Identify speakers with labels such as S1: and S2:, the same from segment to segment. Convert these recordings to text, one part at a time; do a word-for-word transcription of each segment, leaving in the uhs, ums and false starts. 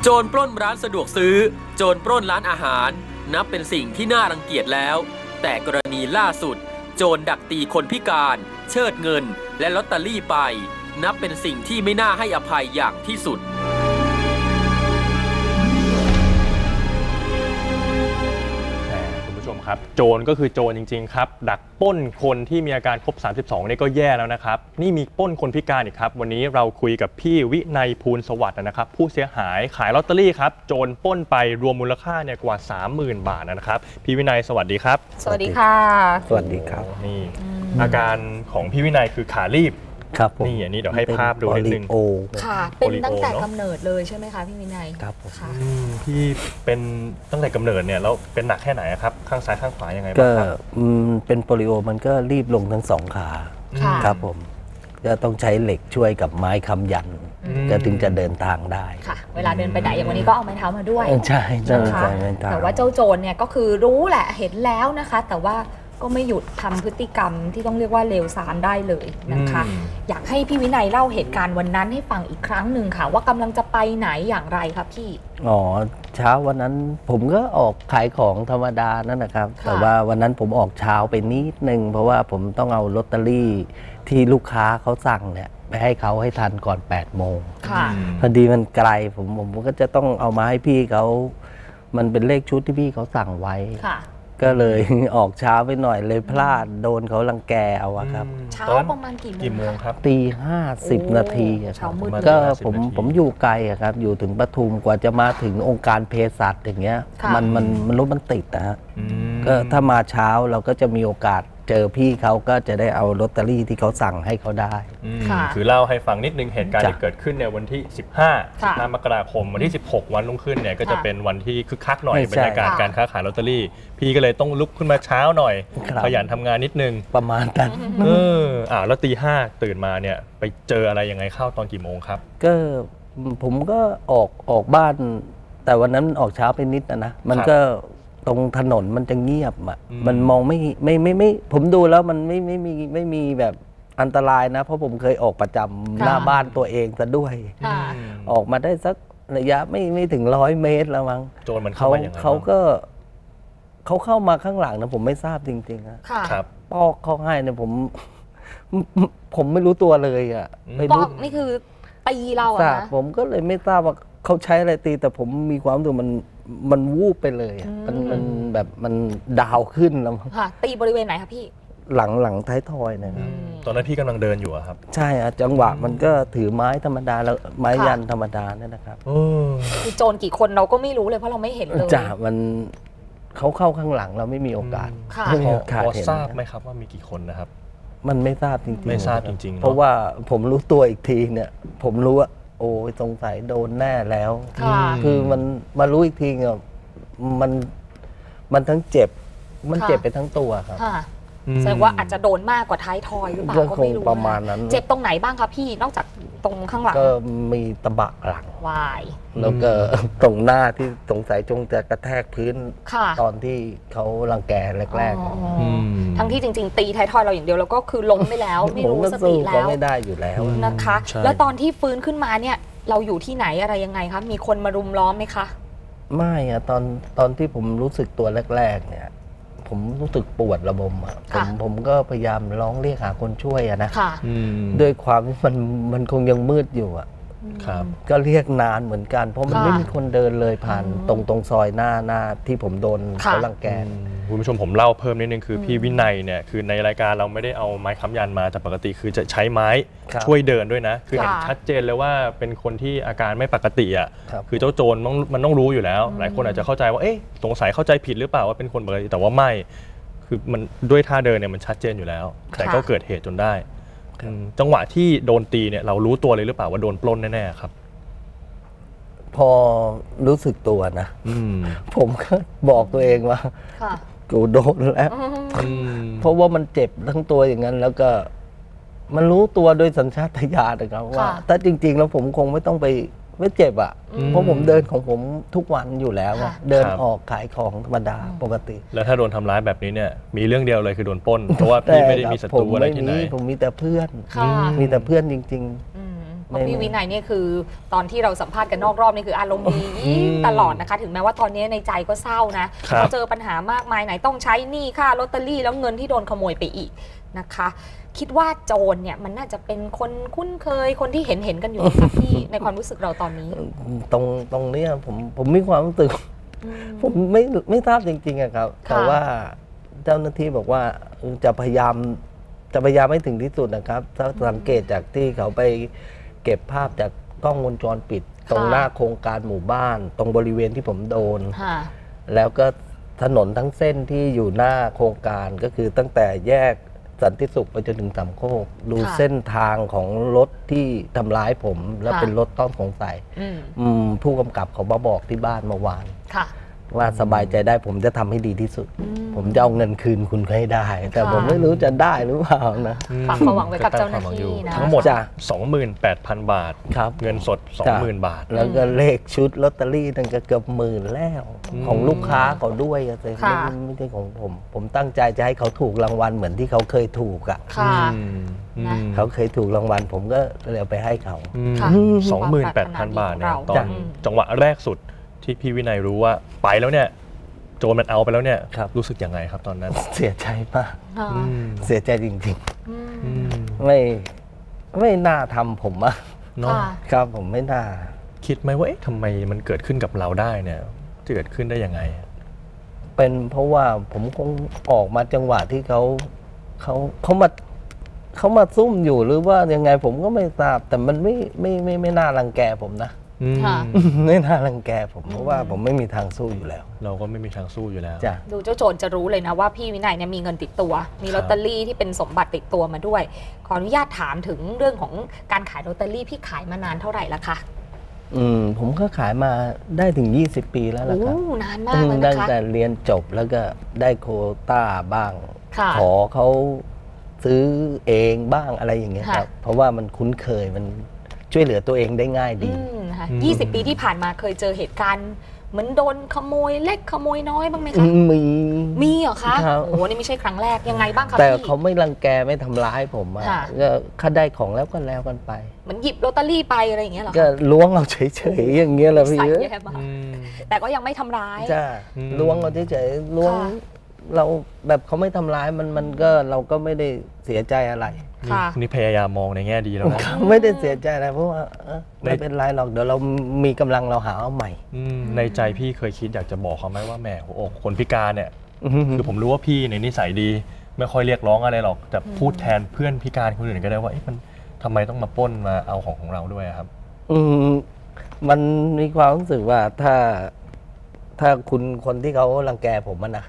S1: โจรปล้นร้านสะดวกซื้อโจรปล้นร้านอาหารนับเป็นสิ่งที่น่ารังเกียจแล้วแต่กรณีล่าสุดโจรดักตีคนพิการเชิดเงินและลอตเตอรี่ไปนับเป็นสิ่งที่ไม่น่าให้อภัยอย่างที่สุด
S2: ครับโจรก็คือโจรจริงๆครับดักปล้นคนที่มีอาการครบสามสิบสองนี่ก็แย่แล้วนะครับนี่มีปล้นคนพิการอีกครับวันนี้เราคุยกับพี่วินัยภูลสวัสดิ์นะครับผู้เสียหายขายลอตเตอรี่ครับโจรปล้นไปรวมมูลค่าเนี่ยกว่า สามหมื่น บาทนะครับพี่วินัยสวัสดีครับ
S3: สวัสดีค่ะ
S4: สวัสดีครับ
S2: นี่อาการของพี่วินัยคือขาลีบ
S4: ครับ
S2: นี่อันนี้เดี๋ยวให้ภาพดูนิดนึง
S3: ค่ะเป็นตั้งแต่กำเนิดเลยใช่ไหมคะพี่วินัย
S4: ครับ
S3: ค่ะ
S2: พี่เป็นตั้งแต่กำเนิดเนี่ยแล้วเป็นหนักแค่ไหนครับข้างซ้ายข้างขวายังไงบ้างครับ
S4: เป็นโปลิโอมันก็รีบลงทั้งสองขาครับผมจะต้องใช้เหล็กช่วยกับไม้ค้ำยันก็ถึงจะเดินทางได้
S3: ค่ะเวลาเดินไปไหนอย่างวันนี้ก็เอาไม้เท้ามาด้วย
S4: ใช่ใช่ใช่
S3: แต่ว่าเจ้าโจรเนี่ยก็คือรู้แหละเห็นแล้วนะคะแต่ว่าก็ไม่หยุดทำพฤติกรรมที่ต้องเรียกว่าเลวทรามได้เลยนะคะอยากให้พี่วินัยเล่าเหตุการณ์วันนั้นให้ฟังอีกครั้งหนึ่งค่ะว่ากำลังจะไปไหนอย่างไรครับพี่
S4: อ๋อเช้าวันนั้นผมก็ออกขายของธรรมดานั่นนะครับแต่ว่าวันนั้นผมออกเช้าไปนิดนึงเพราะว่าผมต้องเอาลอตเตอรี่ที่ลูกค้าเขาสั่งเนี่ยไปให้เขาให้ทันก่อนแปดโมงพอดีมันไกลผมผมก็จะต้องเอามาให้พี่เขามันเป็นเลขชุดที่พี่เขาสั่งไว้ก็เลยออกเช้าไปหน่อยเลยพลาดโดนเขารังแกเอาครับ
S3: เช้าประมาณกี่โมง
S4: ครับตีห้าสิบนาทีก็ผมผมอยู่ไกลครับอยู่ถึงปทุมกว่าจะมาถึงองค์การเภสัชอย่างเงี้ยมันมันมันรถมันติดนะฮะก็ถ้ามาเช้าเราก็จะมีโอกาสเจอพี่เขาก็จะได้เอาลอตเตอรี่ที่เขาสั่งให้เขาได้
S2: คือเล่าให้ฟังนิดนึงเหตุการณ์ที่เกิดขึ้นในวันที่สิบห้า สิบห้ามกราคมวันที่สิบหกวันรุ่งขึ้นเนี่ยก็จะเป็นวันที่คึกคักหน่อยบรรยากาศการค้าขายลอตเตอรี่พี่ก็เลยต้องลุกขึ้นมาเช้าหน่อยขยันทำงานนิดนึง
S4: ประมาณนั้น
S2: เอออ่าแล้วตีห้าตื่นมาเนี่ยไปเจออะไรยังไงเข้าตอนกี่โมงครับ
S4: ก็ผมก็ออกออกบ้านแต่วันนั้นออกเช้าไปนิดนะนะมันก็ตรงถนนมันจะเงียบอ่ะมันมองไม่ไม่ไม่ไม่ผมดูแล้วมันไม่ไม่มีไม่มีแบบอันตรายนะเพราะผมเคยออกประจำหน้าบ้านตัวเองซะด้วยออกมาได้สักระยะไม่ไม่ถึงร้อยเมตรแล้วมั้ง
S2: โจรมันเข้ามาอย่างไร
S4: เขาก็เขาเข้ามาข้างหลังนะผมไม่ทราบจริงๆนะครับปอกเขาให้เนี่ยผมผมไม่รู้ตัวเลยอ่ะ
S3: ปอกนี่คือตีเราอะนะ
S4: ผมก็เลยไม่ทราบว่าเขาใช้อะไรตีแต่ผมมีความรู้สึกมันมันวูบไปเลยมันมันแบบมันดาวขึ้นแล้ว
S3: ค่ะตีบริเวณไหนคะพี่
S4: หลังหลังท้ายทอยนะครับ
S2: ตอนนั้นพี่กำลังเดินอยู่ครับ
S4: ใช่อะจังหวะมันก็ถือไม้ธรรมดาแล้วไม้ยันธรรมดาเนี่ยนะครับ
S3: คือโจรกี่คนเราก็ไม่รู้เลยเพราะเราไม่เห็นเลย
S4: จ้ะมันเขาเข้าข้างหลังเราไม่มีโอกาส
S2: พอทราบไหมครับว่ามีกี่คนนะครับ
S4: มันไม่ทราบจริงๆ
S2: ไม่ทราบจริงๆ
S4: เพราะว่าผมรู้ตัวอีกทีเนี่ยผมรู้ว่าโอ้ยสงสัยโดนแน่แล้วคือมันมารู้อีกทีเนี่ยมันมันทั้งเจ็บมันเจ็บไปทั้งตัวครับ
S3: แสดงว่าอาจจะโดนมากกว่าท้ายทอยหรือเปล่าก็ไม่รู้
S4: ประมาณนั้น
S3: เจ็บตรงไหนบ้างครับพี่นอกจากตรงข้างหลัง
S4: ก็มีตะบะหลัง
S3: วาย
S4: แล้วก็ตรงหน้าที่สงสัยจงจะกระแทกพื้นตอนที่เขารังแกแรก
S3: ๆทั้งที่จริงๆตีท้ายทอยเราอย่างเดียวแล้วก็คือล้มไปแล้วไม่รู้สติแล้ว
S4: ไม่ได้อยู่แล้ว
S3: นะคะแล้วตอนที่ฟื้นขึ้นมาเนี่ยเราอยู่ที่ไหนอะไรยังไงคะมีคนมารุมล้อมไหมคะ
S4: ไม่อะตอนตอนที่ผมรู้สึกตัวแรกๆเนี่ยผมรู้สึกปวดระบมอะผมผมก็พยายามร้องเรียกหาคนช่วยอะนะด้วยความที่มันมันคงยังมืดอยู่อะก็เรียกนานเหมือนกันเพราะมันไม่มีคนเดินเลยผ่านตรงตรงซอยหน้าหน้าที่ผมโดนเขารังแก
S2: คุณผู้ชมผมเล่าเพิ่มนิดนึงคือพี่วินัยเนี่ยคือในรายการเราไม่ได้เอาไม้ค้ำยันมาแต่ปกติคือจะใช้ไม้ช่วยเดินด้วยนะคือเห็นชัดเจนเลยว่าเป็นคนที่อาการไม่ปกติอ่ะคือเจ้าโจรมันต้องรู้อยู่แล้วหลายคนอาจจะเข้าใจว่าเอ๊ะสงสัยเข้าใจผิดหรือเปล่าว่าเป็นคนปกติแต่ว่าไม่คือมันด้วยท่าเดินเนี่ยมันชัดเจนอยู่แล้วแต่ก็เกิดเหตุจนได้จังหวะที่โดนตีเนี่ยเรารู้ตัวเลยหรือเปล่าว่าโดนปล้นแน่ๆครับ
S4: พอรู้สึกตัวนะผมก็บอกตัวเองว่ากูโดนแล้วเพราะว่ามันเจ็บทั้งตัวอย่างนั้นแล้วก็มันรู้ตัวโดยสัญชาตญาณนะครับว่าถ้าจริงๆแล้วผมคงไม่ต้องไปไม่เจ็บอ่ะเพราะผมเดินของผมทุกวันอยู่แล้วเดินออกขายของธรรมดาปกติ
S2: แล้วถ้าโดนทำร้ายแบบนี้เนี่ยมีเรื่องเดียวเลยคือโดนปล้นเพราะว่าพี่ไม่ได้มีศัตรูอะไรที่ไหน
S4: ผมมีแต่เพื่อนมีแต่เพื่อนจริงๆ
S3: ราะพี่วินัยเนี่ยคือตอนที่เราสัมภาษณ์กันนอกรอบนี่คืออารมณ์ดีตลอดนะคะถึงแม้ว่าตอนนี้ในใจก็เศร้านะเขาเจอปัญหามากมายไหนต้องใช้หนี้ค่าลอตเตอรี่แล้วเงินที่โดนขโมยไปอีกนะคะคิดว่าโจรเนี่ยมันน่าจะเป็นคนคุ้นเคยคนที่เห็นเห็นกันอยู่ค่ะพี่ในความรู้สึกเราตอนนี้
S4: ตรงตรงนี้ผมผมมีความรู้สึกผมไม่ไม่ทราบจริงๆอะครับแต่ว่าเจ้าหน้าที่บอกว่าจะพยายามจะพยายามให้ถึงที่สุดนะครับถ้าสังเกตจากที่เขาไปเก็บภาพจากกล้องวงจรปิดตรงหน้าโครงการหมู่บ้านตรงบริเวณที่ผมโดนแล้วก็ถนนทั้งเส้นที่อยู่หน้าโครงการก็คือตั้งแต่แยกสันติสุขไปจนถึงสามโคกดูเส้นทางของรถที่ทำร้ายผมและเป็นรถต้องสงสัยผู้กำกับเขามาบอกที่บ้านเมื่อวานว่าสบายใจได้ผมจะทำให้ดีที่สุดผมจะเอาเงินคืนคุณให้ได้แต่ผมไม่รู้จะได้หรือเปล่านะ
S3: ฝากความหวังไว้กับเจ้าหน้าที่นะ
S2: ทั้งหมด สองหมื่นแปดพัน บาทเงินสด สองหมื่น บาท
S4: แล้วก็เลขชุดลอตเตอรี่นั่นก็เกือบหมื่นแล้วของลูกค้าเขาด้วยแต่ไม่ใช่ของผมผมตั้งใจจะให้เขาถูกรางวัลเหมือนที่เขาเคยถูกอ่ะเขาเคยถูกรางวัลผมก็เลยเอาไปให้เขา
S2: สองหมื่นแปดพัน บาทเนี่ยตอนจังหวะแรกสุดที่พี่วินัยรู้ว่าไปแล้วเนี่ยโจรมันเอาไปแล้วเนี่ยรู้สึกยังไงครับตอนนั้น
S4: เสียใจมากเสียใจจริงๆไม่ไม่น่าทำผมอะเนาะครับผมไม่น่า
S2: คิดไหมว่าเอ๊ะทำไมมันเกิดขึ้นกับเราได้เนี่ยจะเกิดขึ้นได้ยังไง
S4: เป็นเพราะว่าผมคงออกมาจังหวะที่เขาเขาเขามาเขามาซุ่มอยู่หรือว่ายังไงผมก็ไม่ทราบแต่มันไม่ไม่ไม่ไม่น่ารังแกผมนะไม่น่ารังแกผมเพราะว่าผมไม่มีทางสู้อยู่แล้ว
S2: เราก็ไม่มีทางสู้อยู่แล้ว
S3: ดูเจ้าโจรจะรู้เลยนะว่าพี่วินัยเนี่ยมีเงินติดตัวมีลอตเตอรี่ที่เป็นสมบัติติดตัวมาด้วยขออนุญาตถามถึงเรื่องของการขายลอตเตอรี่พี่ขายมานานเท่าไหร่ละคะ
S4: อืมผมก็ขายมาได้ถึงยี่สิบปีแล้วล่ะครับ
S3: นานมากเลยนะคะ
S4: ตั้งแต่เรียนจบแล้วก็ได้โควต้าบ้างขอเขาซื้อเองบ้างอะไรอย่างเงี้ยครับเพราะว่ามันคุ้นเคยมันช่วยเหลือตัวเองได้ง่ายดี
S3: ยี่สิบปีที่ผ่านมาเคยเจอเหตุการณ์เหมือนโดนขโมยเล็กขโมยน้อยบ้างไหมคะ
S4: มี
S3: มีเหรอคะโอ้โหนี่ไม่ใช่ครั้งแรกยังไงบ้างคะ
S4: แต่เขาไม่รังแกไม่ทำร้ายผมอะก็ค่าได้ของแล้วก็แล้วกันไป
S3: เหมือนหยิบลอตเตอรี่ไปอะไรอย่างเงี้ยหรอ
S4: ก็ล้วงเอาเฉยๆอย่างเงี้ยแหละพี่
S3: แต่ก็ยังไม่ทำร้าย
S4: จ้าล้วงเอาเฉยๆล้วงเราแบบเขาไม่ทำร้ายมันมันก็เราก็ไม่ได้เสียใจอะไร
S2: นี่พยายามมองในแง่ดีแล้วนะ
S4: ไม่ได้เสียใจอะไรเพราะว่าไม่เป็นไรหรอกเดี๋ยวเรามีกำลังเราหาเอาใหม่
S2: ในใจพี่เคยคิดอยากจะบอกเขาไหมว่าแหมหัวอกคนพิการเนี่ยคือผมรู้ว่าพี่ในนิสัยดีไม่ค่อยเรียกร้องอะไรหรอกแต่พูดแทนเพื่อนพิการคนอื่นก็ได้ว่ามันทำไมต้องมาปล้นมาเอาของของเราด้วยครับ
S4: อืมมันมีความรู้สึกว่าถ้าถ้าคุณคนที่เขารังแกผมนะ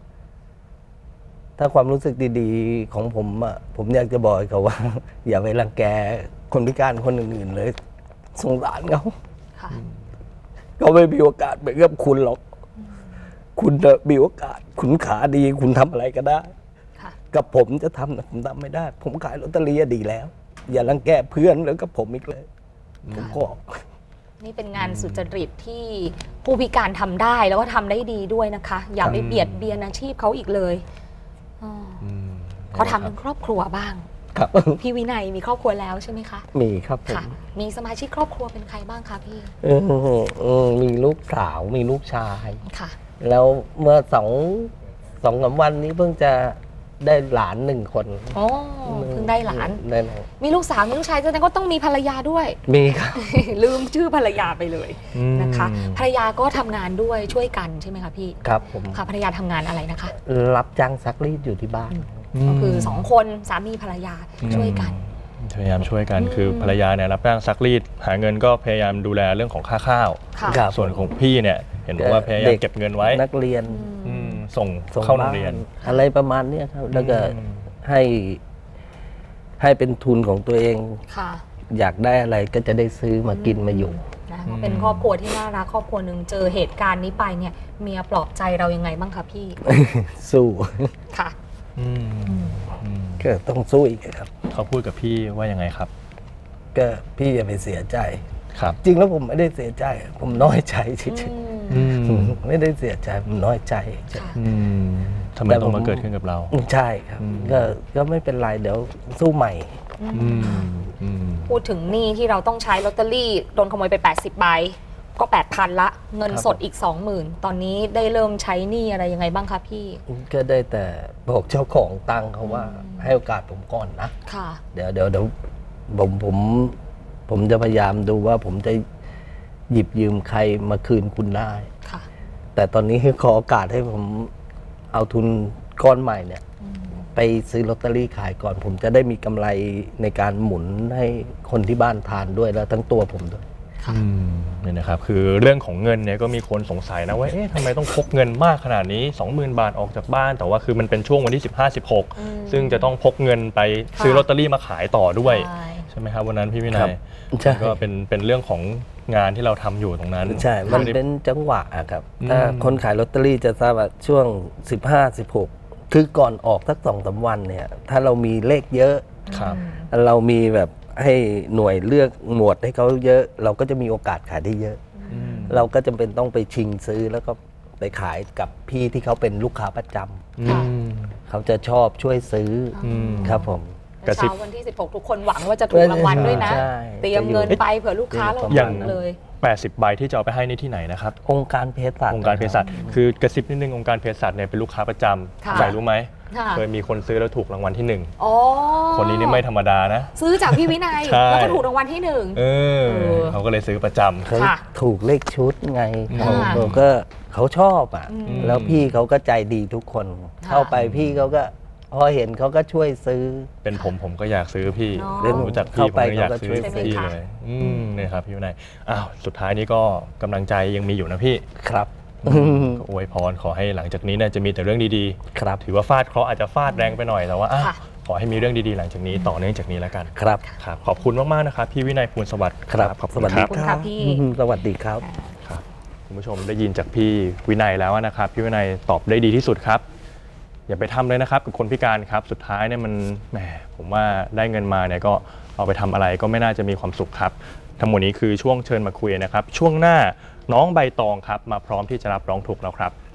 S4: ถ้าความรู้สึกดีๆของผมอ่ะผมอยากจะบอกเขาว่าอย่าไปรังแกคนพิการคนอื่นๆเลยสงสารเขาเขาไม่มีโอกาสเหมือนกับคุณหรอกคุณมีโอกาสคุณขาดีคุณทำอะไรก็ได้กับผมจะทำแต่ผมทำไม่ได้ผมขายลอตเตอรี่ดีแล้วอย่ารังแกเพื่อนแล้วกับผมอีกเลยผมก็
S3: นี่เป็นงานสุจริตที่ผู้พิการทำได้แล้วก็ทำได้ดีด้วยนะคะอย่าไปเบียดเบียนอาชีพเขาอีกเลยเขาทำเป็นครอบครัวบ้าง
S4: ครับ
S3: พี่วินัยมีครอบครัวแล้วใช่ไหมคะ
S4: มีครับ
S3: ค่ะมีสมาชิกครอบครัวเป็นใครบ้างคะพี่
S4: มีลูกสาวมีลูกชาย
S3: ค่ะ
S4: แล้วเมื่อสองสองสามวันนี้เพิ่งจะได้หลานหนึ่งคน
S3: อ๋อเพิ่งได้หลานมีลูกสาวมีลูกชายแสดงก็ต้องมีภรรยาด้วย
S4: มีครับ
S3: ลืมชื่อภรรยาไปเลยนะคะภรรยาก็ทำงานด้วยช่วยกันใช่ไหมคะพี่
S4: ครับผม
S3: ค่ะภรรยาทำงานอะไรนะคะ
S4: รับจ้างซักรีดอยู่ที่บ้าน
S3: ก็คือสองคนสามีภรรยาช่วยกัน
S2: พยายามช่วยกันคือภรรยาเนี่ยรับจ้างซักรีดหาเงินก็พยายามดูแลเรื่องของค่าข้าวส่วนของพี่เนี่ยเห็นบอกว่าพยายามเก็บเงินไว้
S4: นักเรียน
S2: ส่งเข้าโรงเรียน
S4: อะไรประมาณนี้ครับแล้วก็ให้ให้เป็นทุนของตัวเองอยากได้อะไรก็จะได้ซื้อมากินมาอยู่
S3: เป็นครอบครัวที่น่ารักครอบครัวหนึ่งเจอเหตุการณ์นี้ไปเนี่ยเมียปลอบใจเรายังไงบ้างคะพี่
S4: สู้
S3: ค่ะ
S4: ก็ต้องสู้อีกครับ
S2: เขาพูดกับพี่ว่ายังไงครับ
S4: ก็พี่อย่าไปเสียใจ
S2: ครับ
S4: จริงแล้วผมไม่ได้เสียใจผมน้อยใจเฉยๆไม่ได้เสียใจผมน้อยใจ
S2: ทำไมต้องมาเกิดขึ้นกับเรา
S4: ใช่ครับก็ก็ไม่เป็นไรเดี๋ยวสู้ใหม่
S3: พูดถึงหนี้ที่เราต้องใช้ลอตเตอรี่โดนขโมยไปแปดสิบใบก็ แปดพัน ละเงินสดอีก สองหมื่น ตอนนี้ได้เริ่มใช้หนี้อะไรยังไงบ้างคะพี่
S4: ก็ได้แต่บอกเจ้าของตังเขาว่าให้โอกาสผมก่อนนะ
S3: ค่ะ
S4: เดี๋ยวเดี๋ยวเดี๋ยวผมผมผมจะพยายามดูว่าผมจะหยิบยืมใครมาคืนคุณได้
S3: ค่ะ
S4: แต่ตอนนี้ขอโอกาสให้ผมเอาทุนก้อนใหม่เนี่ยไปซื้อลอตเตอรี่ขายก่อนผมจะได้มีกำไรในการหมุนให้คนที่บ้านทานด้วยแล้วทั้งตัวผมด้วย
S2: นี่นะครับคือเรื่องของเงินเนี่ยก็มีคนสงสัยนะว่าเอ๊ะทำไมต้องพกเงินมากขนาดนี้ สองหมื่น บาทออกจากบ้านแต่ว่าคือมันเป็นช่วงวันที่สิบห้า สิบหกซึ่งจะต้องพกเงินไปซื้อลอตเตอรี่มาขายต่อด้วยใช่ไหมครับวันนั้นพี่วินัยก็เป็นเป็นเรื่องของงานที่เราทำอยู่ตรงนั้น
S4: ใช่มันเป็นจังหวะครับถ้าคนขายลอตเตอรี่จะทราบว่าช่วงสิบห้า สิบหกคือก่อนออกสักสองสามวันเนี่ยถ้าเรามีเลขเยอะเรามีแบบให้หน่วยเลือกหมวดให้เขาเยอะเราก็จะมีโอกาสขายได้เยอะเราก็จำเป็นต้องไปชิงซื้อแล้วก็ไปขายกับพี่ที่เขาเป็นลูกค้าประจำเขาจะชอบช่วยซื้อครับผม
S3: เช้าวันที่สิบหกทุกคนหวังว่าจะถูกรางวัลด้วยนะเตรียมเงินไปเผื่อลูกค้าเราหวังเลย
S2: แปดสิบใบที่จะเอาไปให้นี่ที่ไหนนะครับ
S4: องค์การเภสัช
S2: องค์การเภสัชคือกระซิบนิดนึงองค์การเภสัชเนี่ยเป็นลูกค้าประจำใครรู้ไหมเคยมีคนซื้อแล้วถูกรางวัลที่หนึ่งคนนี้นี่ไม่ธรรมดานะ
S3: ซื้อจากพี่วินัยแล้วก็ถูกรางวัลที่หนึ่ง
S2: เขาก็เลยซื้อประจำ
S4: เขาถูกเลขชุดไงเขาก็เขาชอบอ่ะแล้วพี่เขาก็ใจดีทุกคนเข้าไปพี่เขาก็พอเห็นเขาก็ช่วยซื้อ
S2: เป็นผมผมก็อยากซื้อพี่รู้จักพี่ผมก็อยากซื้อพี่เลยอืมนี่ครับพี่วินัยอ้าวสุดท้ายนี้ก็กำลังใจยังมีอยู่นะพี่
S4: ครับ
S2: อวยพรขอให้หลังจากนี้เนี่ยจะมีแต่เรื่องดี
S4: ๆครับ
S2: ถือว่าฟาดเคราะห์อาจจะฟาดแรงไปหน่อยแต่ว่าขอให้มีเรื่องดีๆหลังจากนี้ต่อเนื่องจากนี้แล้วกัน
S4: ครับ
S2: ครับขอบคุณมากๆนะครับพี่วินัยภูลสวัสดิ์
S4: ครับขอบคุณ
S3: ครับพี่
S4: สวัสดีครับ
S2: ครับคุณผู้ชมได้ยินจากพี่วินัยแล้วนะครับพี่วินัยตอบได้ดีที่สุดครับอย่าไปทำเลยนะครับกับคนพิการครับสุดท้ายเนี่ยมันแหมผมว่าได้เงินมาเนี่ยก็เอาไปทำอะไรก็ไม่น่าจะมีความสุขครับทั้งหมดนี้คือช่วงเชิญมาคุยนะครับช่วงหน้าน้องใบตองครับมาพร้อมที่จะรับร้องทุกข์แล้วครับ